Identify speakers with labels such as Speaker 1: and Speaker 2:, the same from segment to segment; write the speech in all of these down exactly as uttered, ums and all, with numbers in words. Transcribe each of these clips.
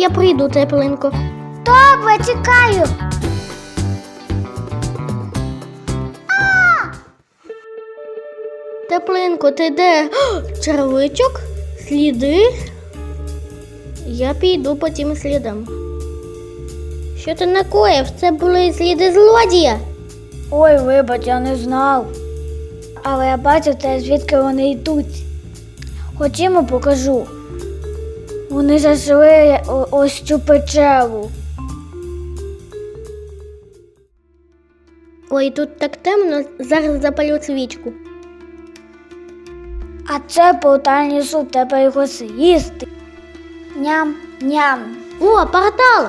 Speaker 1: я прийду, теплинко.
Speaker 2: Добре, чекаю.
Speaker 1: Теплинко, ти де? О, червичок? Сліди? Я піду по тим слідам. Що ти накоїв? Це були сліди злодія.
Speaker 2: Ой, вибач, я не знав. Але я бачу те, звідки вони йдуть. Ходімо, покажу. Вони зайшли о- ось цю печеру.
Speaker 1: Ой, тут так темно, зараз запалю свічку.
Speaker 2: А це портальний суп, треба його з'їсти. Ням-ням.
Speaker 1: О, портал!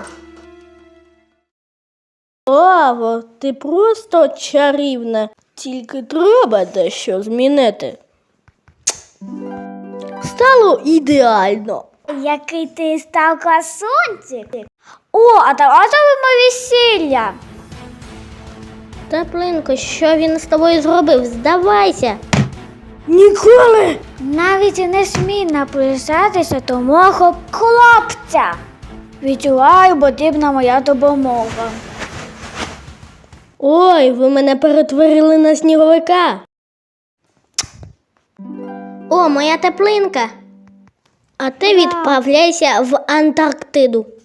Speaker 1: Лаво, ти просто чарівна. Тільки треба дещо змінити. Стало ідеально.
Speaker 2: Який ти став красунчик. О, а давай зробимо весілля.
Speaker 1: Теплинко, що він з тобою зробив? Здавайся. Ніколи!
Speaker 2: Навіть і не смій наближатися до мого хлопця. Відчуваю, потрібна моя допомога.
Speaker 1: Ой, ви мене перетворили на сніговика. О, моя теплинка. А ти відправляйся в Антарктиду.